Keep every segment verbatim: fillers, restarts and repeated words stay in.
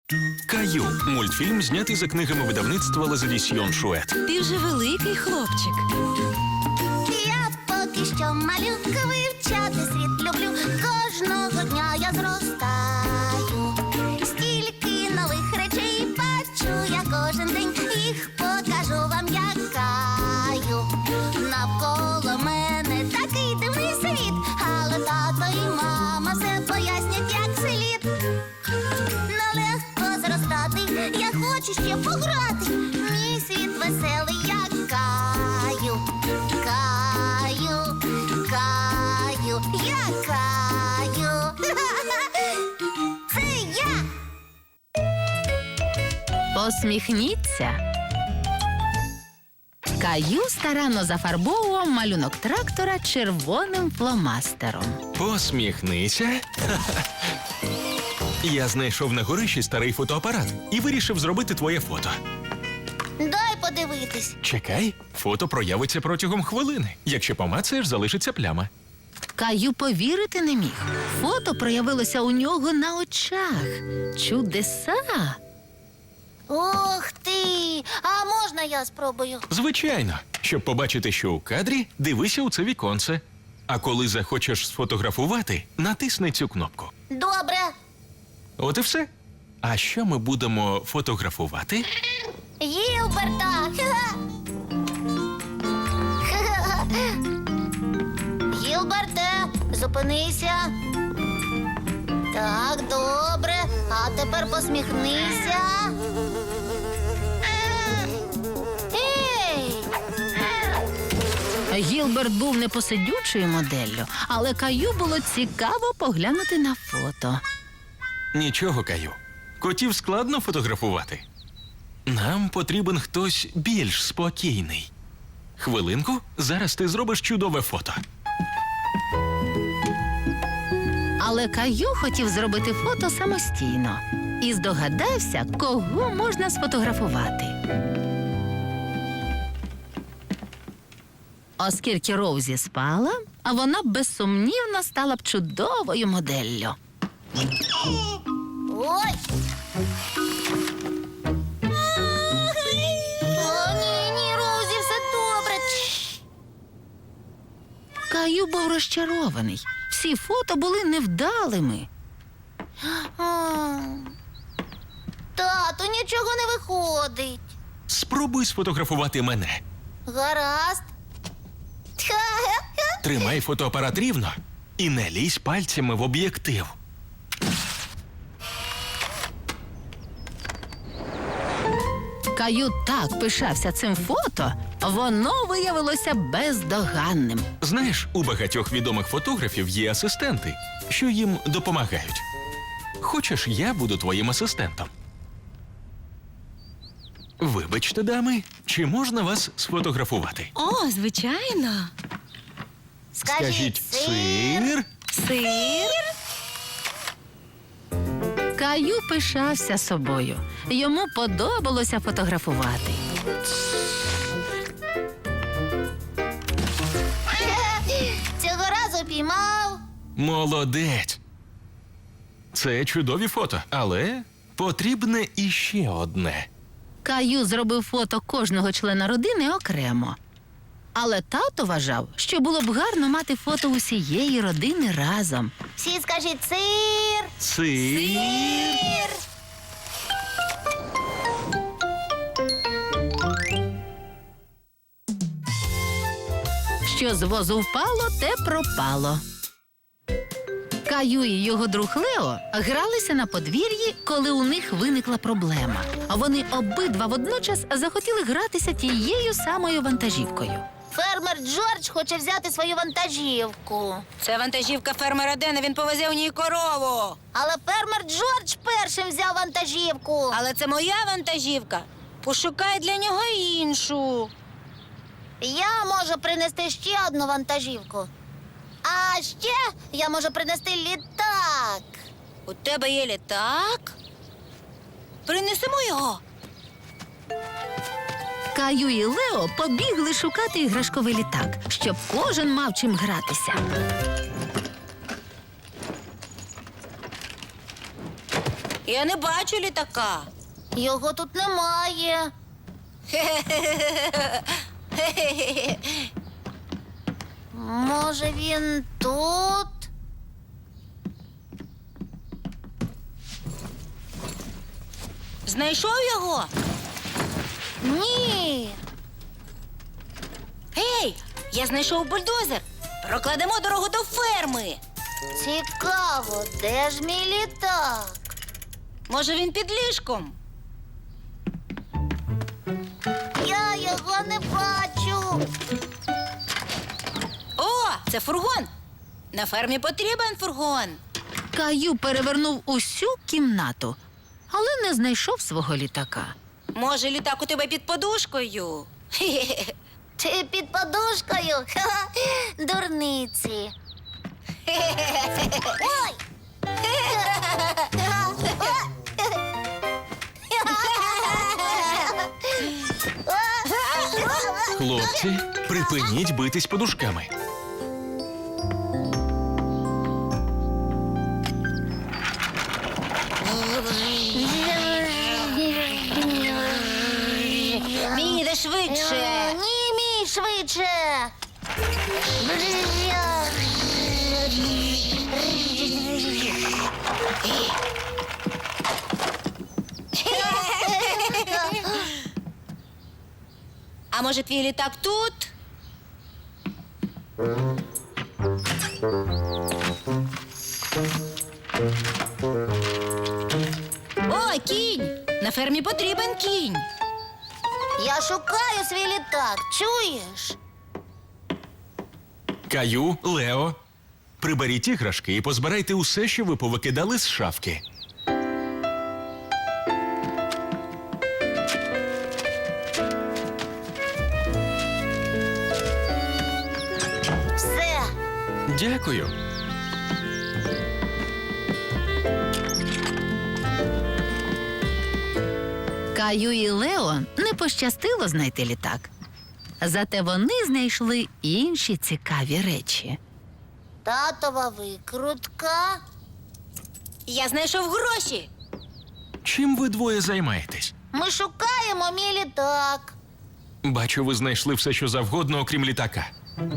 Каю – мультфільм, знятий за книгами видавництва Лазадісьйон Шует. Ти вже великий хлопчик. Я поки що малюка, вивчати світ люблю. Кожного дня я зростаю. Стільки нових речей бачу я кожен день. Їх покажу вам, як Каю. Навколо мене такий дивний світ, але тато і мама все пояснять, як слід. Нелегко зростати, я хочу ще пограти. Мій світ веселий, як Каю. Каю, Каю, я Каю. Це я. Посміхніться. Каю старанно зафарбовував малюнок трактора червоним фломастером. Посміхнися. Я знайшов на горищі старий фотоапарат і вирішив зробити твоє фото. Дай подивитись. Чекай, фото проявиться протягом хвилини. Якщо помацаєш, залишиться пляма. Каю повірити не міг. Фото проявилося у нього на очах. Чудеса! Ух ти! А можна я спробую? Звичайно. Щоб побачити, що у кадрі, дивися у це віконце. А коли захочеш сфотографувати, натисни цю кнопку. Добре. От і все. А що ми будемо фотографувати? Гілберта! Гілберте, зупинися. Так, добре. А тепер посміхнися. Ей! Гілберт був непосидючою моделлю, але Каю було цікаво поглянути на фото. Нічого, Каю. Котів складно фотографувати. Нам потрібен хтось більш спокійний. Хвилинку, зараз ти зробиш чудове фото. Але Каю хотів зробити фото самостійно і здогадався, кого можна сфотографувати. Оскільки Роузі спала, а вона безсумнівно стала б чудовою моделлю. Ой! О, ні, ні, Розі, все добре. Чш. Каю був розчарований. Всі фото були невдалими. А. Тату, нічого не виходить. Спробуй сфотографувати мене. Гаразд. Тримай фотоапарат рівно і не лізь пальцями в об'єктив. Каю так пишався цим фото, воно виявилося бездоганним. Знаєш, у багатьох відомих фотографів є асистенти, що їм допомагають. Хочеш, я буду твоїм асистентом? Вибачте, дами, чи можна вас сфотографувати? О, звичайно. Скажіть, сир. сир. Сир? Каю пишався собою. Йому подобалося фотографувати. Цього разу піймав. Молодець. Це чудові фото, але потрібне іще одне. Каю зробив фото кожного члена родини окремо. Але тато вважав, що було б гарно мати фото усієї родини разом. Всі скажіть сир. Сир. Що з возу впало, те пропало. Каю і його друг Лео гралися на подвір'ї, коли у них виникла проблема. Вони обидва водночас захотіли гратися тією самою вантажівкою. Фермер Джордж хоче взяти свою вантажівку. Це вантажівка фермера Дена, він повезе у ній корову. Але фермер Джордж першим взяв вантажівку. Але це моя вантажівка. Пошукай для нього іншу. Я можу принести ще одну вантажівку. А ще я можу принести літак. У тебе є літак? Принесемо його. Каю і Лео побігли шукати іграшковий літак, щоб кожен мав чим гратися. Я не бачу літака. Його тут немає. Може, він тут? Знайшов його? Ні. Гей, я знайшов бульдозер. Прокладемо дорогу до ферми. Цікаво, де ж мій літак? Може, він під ліжком? Я його не бачу. О, це фургон. На фермі потрібен фургон. Каю перевернув усю кімнату, але не знайшов свого літака. Може, літак у тебе під подушкою? Хе-хе-хе. Чи під подушкою? Ха-ха, дурниці. Ой! Хлопці, припиніть битись подушками. Мій, іде швидше. Ні, мій швидше. А може, твій літак тут? О, кінь! На фермі потрібен кінь. Я шукаю свій літак, чуєш? Каю, Лео, приберіть іграшки і позбирайте усе, що ви повикидали з шафки. Все. Дякую. Каю і Лео не пощастило знайти літак. Зате вони знайшли інші цікаві речі. Татова викрутка. Я знайшов гроші. Чим ви двоє займаєтесь? Ми шукаємо мій літак. Бачу, ви знайшли все, що завгодно, окрім літака.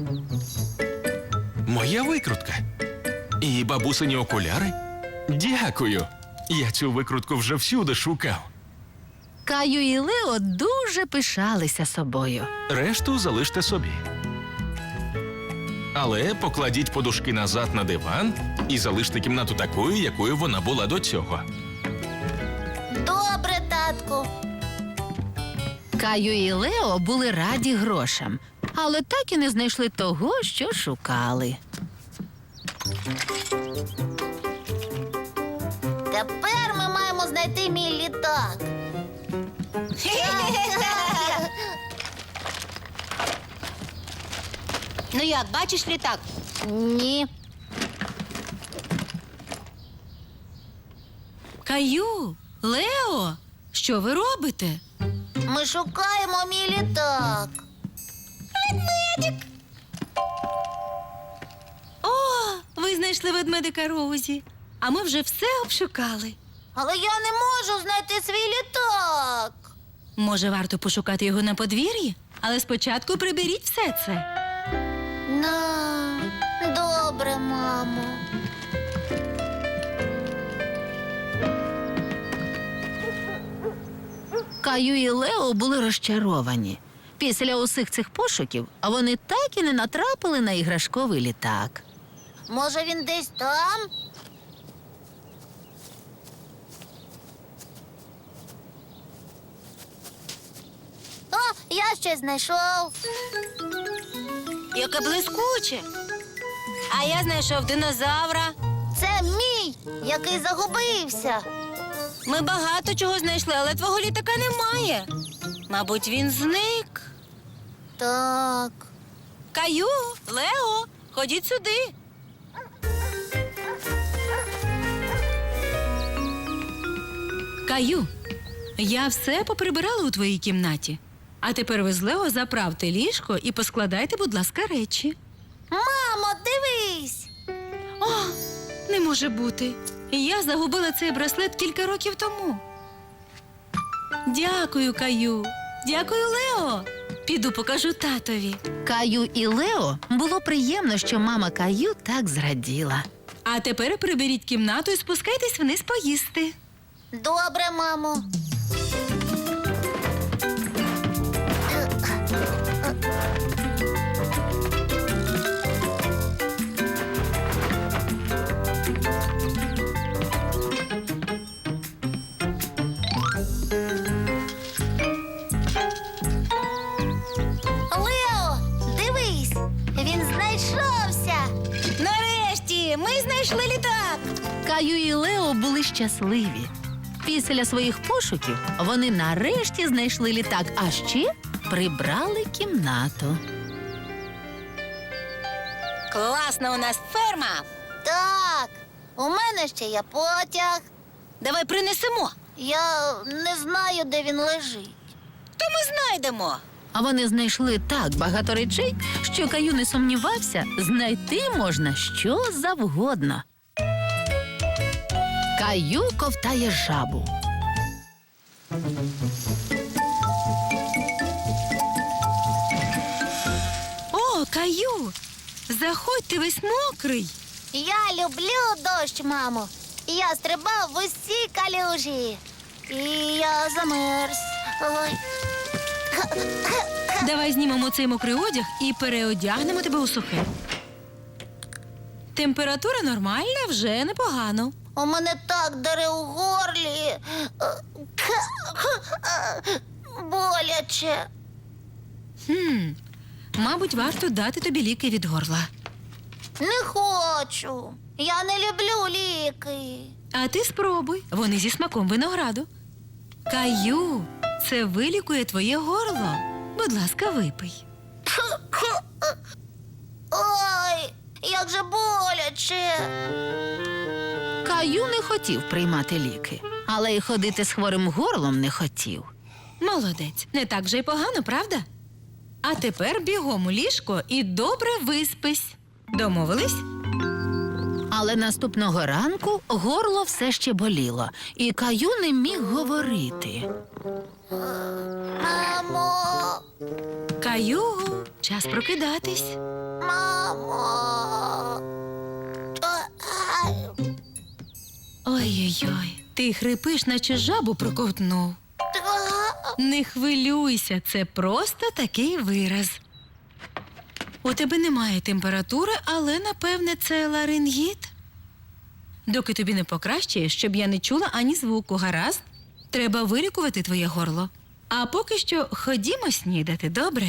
Моя викрутка. І бабусині окуляри? Дякую. Я цю викрутку вже всюди шукав. Каю і Лео дуже пишалися собою. Решту залиште собі. Але покладіть подушки назад на диван і залиште кімнату такою, якою вона була до цього. Добре, татку. Каю і Лео були раді грошам, але так і не знайшли того, що шукали. Тепер ми маємо знайти мій літак. Ну як, бачиш літак? Ні. Каю, Лео, що ви робите? Ми шукаємо мій літак. О, ви знайшли ведмедика Розі. А ми вже все обшукали. Але я не можу знайти свій літак. Може, варто пошукати його на подвір'ї? Але спочатку приберіть все це. На, добре, мамо. Каю і Лео були розчаровані. Після усіх цих пошуків вони так і не натрапили на іграшковий літак. Може, він десь там? О, я щось знайшов. Яке блискуче. А я знайшов динозавра. Це мій, який загубився. Ми багато чого знайшли, але твого літака немає. Мабуть, він зник. Так. Каю, Лео, ходіть сюди. Каю, я все поприбирала у твоїй кімнаті. А тепер ви з Лео заправте ліжко і поскладайте, будь ласка, речі. Мамо, дивись. О, не може бути. Я загубила цей браслет кілька років тому. Дякую, Каю. Дякую, Лео. Піду покажу татові. Каю і Лео було приємно, що мама Каю так зраділа. А тепер приберіть кімнату і спускайтесь вниз поїсти. Добре, мамо. Лео, дивись, він знайшовся. Нарешті ми знайшли літак. Каю і Лео були щасливі. Після своїх пошуків вони нарешті знайшли літак, а ще прибрали кімнату. Класна у нас ферма. Так, у мене ще є потяг. Давай принесемо, Я не знаю, де він лежить. то ми знайдемо. А вони знайшли так багато речей, що Каю не сумнівався, знайти можна що завгодно. Каю ковтає жабу. О, Каю! Заходь, ти весь мокрий. Я люблю дощ, мамо. Я стрибав в усі калюжі. І я замерз. Ой. Давай знімемо цей мокрий одяг і переодягнемо тебе у сухе. Температура нормальна, вже непогано. У мене так дере у горлі. Боляче. Хм, мабуть, варто дати тобі ліки від горла. Не хочу. Я не люблю ліки. А ти спробуй, вони зі смаком винограду. Каю, це вилікує твоє горло. Будь ласка, випий. Ой, як же боляче. Каю не хотів приймати ліки, але й ходити з хворим горлом не хотів. Молодець, не так же й погано, правда? А тепер бігом у ліжко і добре виспись. Домовились? Але наступного ранку горло все ще боліло, і Каю не міг говорити. Мамо, Каю, час прокидатись. мамо. Ай. Ой-ой-ой, ти хрипиш, наче жабу проковтнув. Не хвилюйся, це просто такий вираз. У тебе немає температури, але, напевне, це ларингіт. Доки тобі не покращає, щоб я не чула ані звуку, гаразд? Треба вилікувати твоє горло. А поки що ходімо снідати, добре?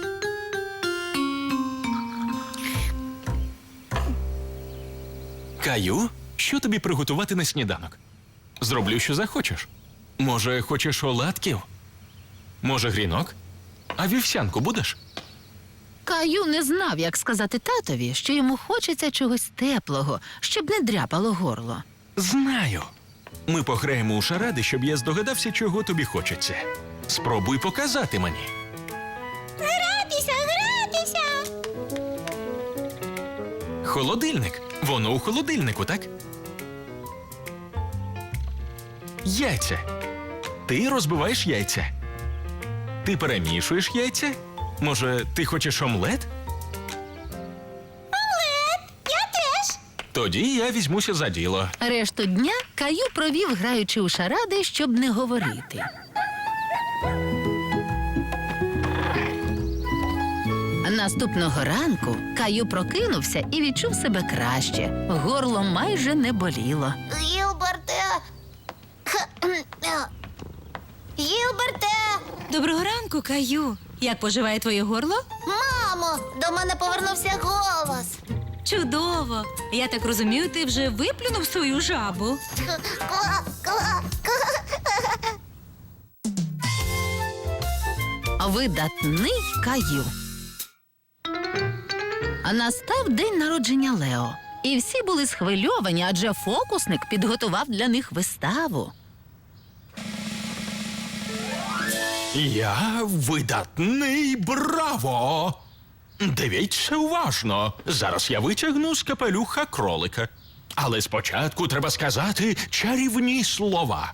Каю, що тобі приготувати на сніданок? Зроблю, що захочеш. Може, хочеш оладків? Може, грінок? А вівсянку будеш? Каю не знав, як сказати татові, що йому хочеться чогось теплого, щоб не дряпало горло. Знаю. Ми пограємо у шаради, щоб я здогадався, чого тобі хочеться. Спробуй показати мені. Гратися, гратися. Холодильник. Воно у холодильнику, так? Яйця. Ти розбиваєш яйця. Ти перемішуєш яйця? Може, ти хочеш омлет? Я теж. Тоді я візьмуся за діло. Решту дня Каю провів, граючи у шаради, щоб не говорити. Наступного ранку Каю прокинувся і відчув себе краще. Горло майже не боліло. Гілберте. Гілберте. Доброго ранку, Каю. Як поживає твоє горло? Мамо, до мене повернувся голос. Чудово! Я так розумію, ти вже виплюнув свою жабу. Ква, ква, Видатний Каю. А настав день народження Лео. І всі були схвильовані, адже фокусник підготував для них виставу. Я видатний, браво! Дивіться уважно. Зараз я витягну з капелюха кролика. Але спочатку треба сказати чарівні слова.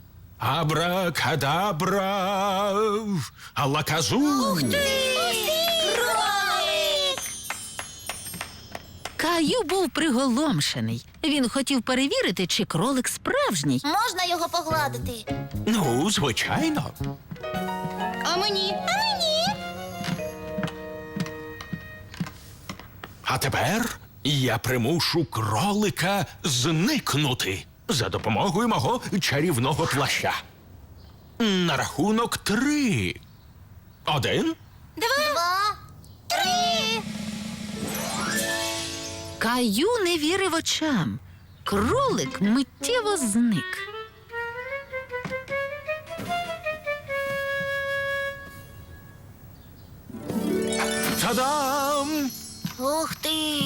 Абракадабра, алаказу. Кролик! Каю був приголомшений. Він хотів перевірити, чи кролик справжній. Можна його погладити? Ну, звичайно. А мені? А мені? А тепер я примушу кролика зникнути за допомогою мого чарівного плаща. На рахунок три. Один. Два, три. Каю не вірив очам. Кролик миттєво зник. Та-дам! Ух ти!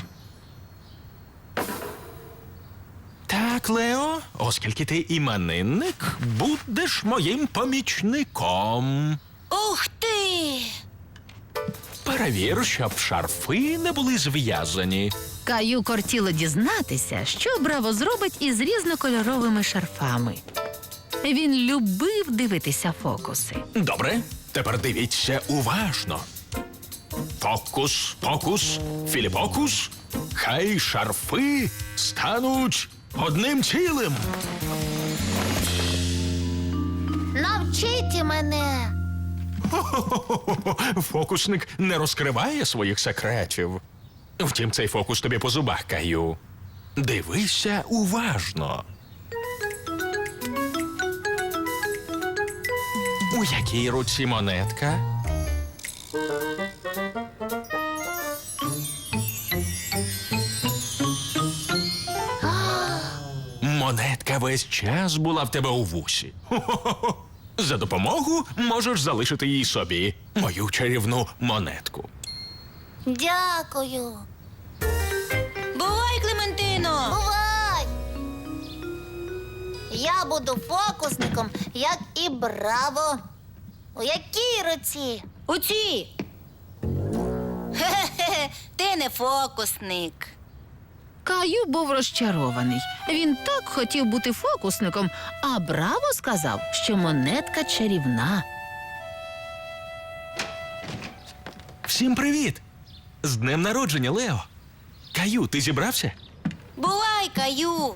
Так, Лео, оскільки ти іменинник, будеш моїм помічником. Ух ти! Перевір, щоб шарфи не були зв'язані. Каю кортіло дізнатися, що Браво зробить із різнокольоровими шарфами. Він любив дивитися фокуси. Добре, тепер дивіться уважно. Фокус, фокус, філіпокус. Хай шарфи стануть одним цілим. Навчіть мене. Хо-хо-хо-хо. Фокусник не розкриває своїх секретів. Втім, цей фокус тобі по зубах, Каю. Дивися уважно. У якій руці монетка? Монетка весь час була в тебе у вусі. Хо-хо-хо. За допомогу можеш залишити її собі, мою чарівну монетку. Дякую. Бувай, Клементино! Бувай! Я буду фокусником, як і Браво. У якій руці? У цій! Хе-хе-хе, ти не фокусник. Каю був розчарований. Він так хотів бути фокусником, а Браво сказав, що монетка чарівна. Всім привіт! З днем народження, Лео! Каю, ти зібрався? Бувай, Каю!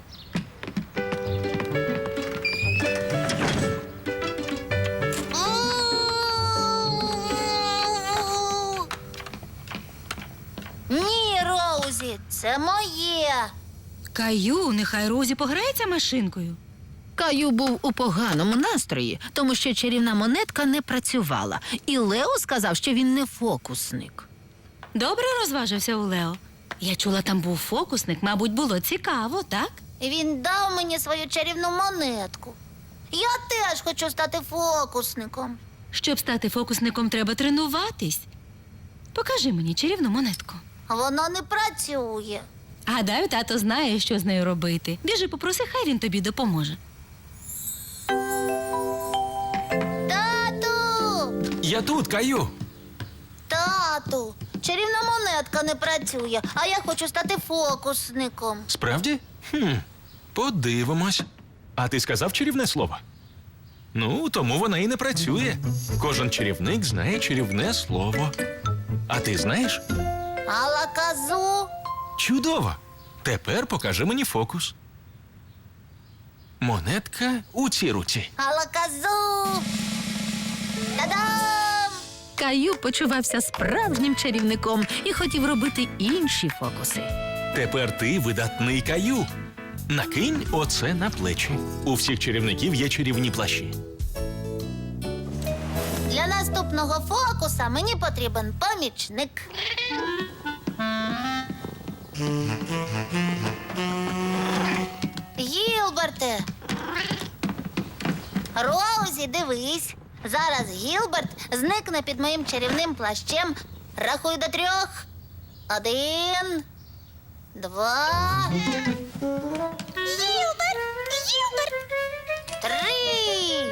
Ні, Роузі, це моє. Каю, нехай Розі пограється машинкою. Каю був у поганому настрої, тому що чарівна монетка не працювала. І Лео сказав, що він не фокусник. Добре розважився у Лео. Я чула, там був фокусник, мабуть, було цікаво, так? Він дав мені свою чарівну монетку. Я теж хочу стати фокусником. Щоб стати фокусником, треба тренуватись. Покажи мені чарівну монетку. Воно не працює. Гадаю, тато знає, що з нею робити. Біжи, попроси, хай він тобі допоможе. Тату! Я тут, Каю. Тату! Чарівна монетка не працює, а я хочу стати фокусником. Справді? Хм, подивимось. А ти сказав чарівне слово? Ну, тому вона і не працює. Кожен чарівник знає чарівне слово. А ти знаєш? Алаказу. Чудово! Тепер покажи мені фокус. Монетка у цій руці. Алаказу. Та-дам! Каю почувався справжнім чарівником і хотів робити інші фокуси. Тепер ти видатний Каю. Накинь оце на плечі. У всіх чарівників є чарівні плащі. Для наступного фокуса мені потрібен помічник. Гілберте! Роузі, дивись. Зараз Гілберт зникне під моїм чарівним плащем. Рахуй до трьох. Один. Два. Гілберт! Гілберт! Три.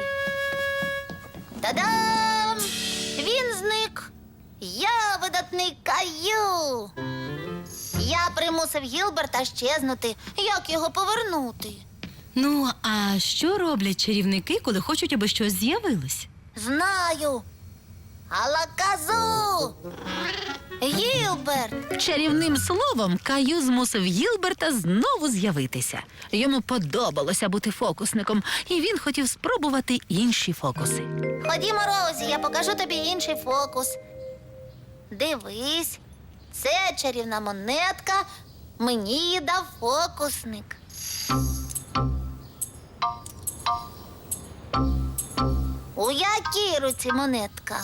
Та-дам! Він зник. Я видатний Каю. Я примусив Гілберта щезнути. Як його повернути? Ну, а що роблять чарівники, коли хочуть, аби щось з'явилось? Знаю. Алаказу! Гілберт! Чарівним словом Каю змусив Гілберта знову з'явитися. Йому подобалося бути фокусником, і він хотів спробувати інші фокуси. Ходімо, Роузі, я покажу тобі інший фокус. Дивись, це чарівна монетка. Мені її дав фокусник. У якій руці монетка?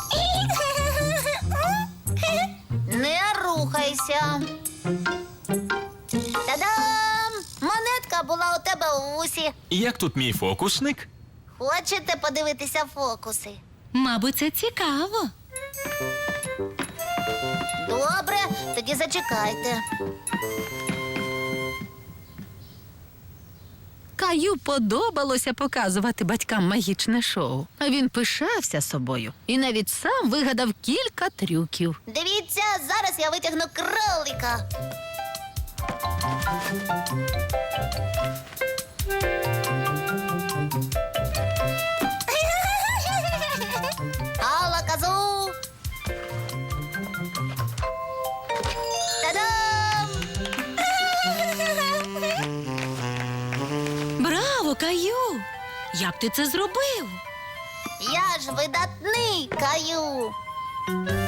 Не рухайся. Та-дам! Монетка була у тебе у вусі. І як тут мій фокусник? Хочете подивитися фокуси? Мабуть, це цікаво. Добре, тоді зачекайте. Каю подобалося показувати батькам магічне шоу. А він пишався собою і навіть сам вигадав кілька трюків. Дивіться, зараз я витягну кролика. Алаказу! Та-дам! Браво, Каю! Як ти це зробив? Я ж видатний Каю.